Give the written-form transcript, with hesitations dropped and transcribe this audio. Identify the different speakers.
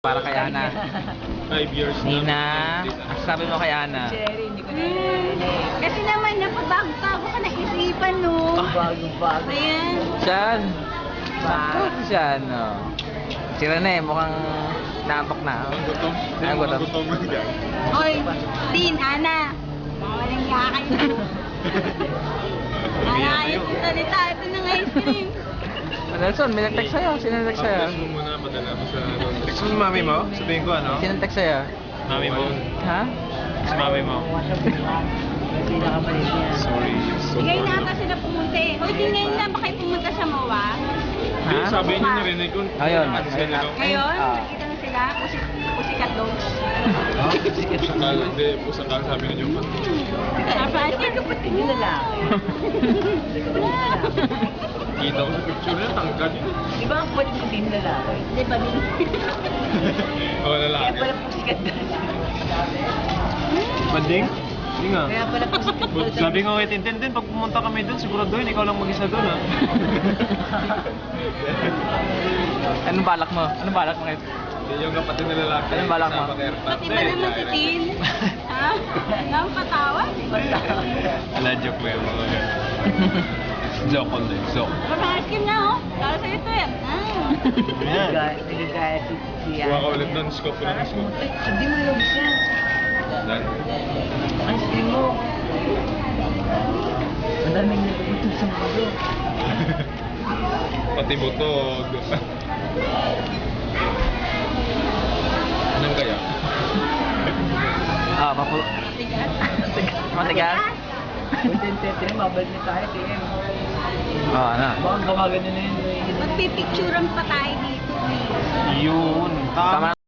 Speaker 1: Para kay Ana.
Speaker 2: 5 years na.
Speaker 1: Nina, sabi mo kay Ana.
Speaker 3: Cherry, hindi ko na
Speaker 4: Kasi naman, napabago-bago ka naisipan, no?
Speaker 3: bago-bago.
Speaker 4: Ayan.
Speaker 1: Siyan. Bakit siya, no? Si Rene, mukhang naantok na.
Speaker 2: Ang gutom.
Speaker 1: Ang gutom.
Speaker 2: Ang gutom lang dyan.
Speaker 4: Oy, Din, Ana. Mga walang hiya kayo. Ana, ayos yung salita. Ito na nga ice cream.
Speaker 1: Nelson, may nag-text sa'yo. Sino nag-text sa'yo?
Speaker 2: Update mo muna, madala mo sa text mo mami mo? Sabihin ko ano?
Speaker 1: Sino nag-text sa'yo?
Speaker 2: Mami mo.
Speaker 1: Ha?
Speaker 2: Si mami mo.
Speaker 3: Kasi nakamalit niya.
Speaker 2: Sorry. So
Speaker 4: Ngayon na ata sila pumunta eh. Hoy, di ngayon na ba kayo pumunta sa MOA?
Speaker 2: Hindi,
Speaker 1: Ha?
Speaker 2: sabi niyo narinig ko.
Speaker 1: Ayun.
Speaker 2: Sila daw.
Speaker 4: Ngayon,
Speaker 1: Ah.
Speaker 4: nakita na sila. Pusikat dogs.
Speaker 2: Pusakal, hindi. Pusakal sabi niyo pa.
Speaker 4: Napansin ko
Speaker 3: Hindi yung lalaki.
Speaker 2: Kita ko sa picture niya, tangkad.
Speaker 3: Di ba ang pwede mo din lalaki?
Speaker 4: Di ba din?
Speaker 2: Oo,
Speaker 3: Kaya
Speaker 2: lalaki.
Speaker 3: pala po sikat doon.
Speaker 2: Banding? Hindi nga.
Speaker 3: Kaya pala po sikat doon.
Speaker 2: Sabi nga kay Tintin, pag pumunta kami doon, siguro doon, ikaw lang mag-isa doon, ha?
Speaker 1: Anong balak mo? Anong balak mo ngayon?
Speaker 2: Yung kapatid na lalaki.
Speaker 1: Anong balak mo?
Speaker 2: Sa Paterta.
Speaker 4: Pati ba naman si Tin? Ha? Nang patawa?
Speaker 2: Ala, joke mo yan, mga yan. Joke on din, joke.
Speaker 4: Pamahasin na oh. Para sa ito yan.
Speaker 2: Yan.
Speaker 3: Nagagaya si
Speaker 2: Kuha ka ulit doon, scope ko lang, scope.
Speaker 3: Ay, sabi mo yung siya.
Speaker 2: Dan.
Speaker 3: Ang sabi mo. Ang daming nagpapatid sa mundo.
Speaker 2: Pati butog. Anong kaya?
Speaker 1: Ah, papu... Matigas?
Speaker 3: Contented rin, mabalik na tayo. Kaya
Speaker 1: Oo, ano?
Speaker 3: baka gawagan na yun.
Speaker 4: Magpipicturean pa tayo dito eh.
Speaker 2: Yun.
Speaker 1: Tama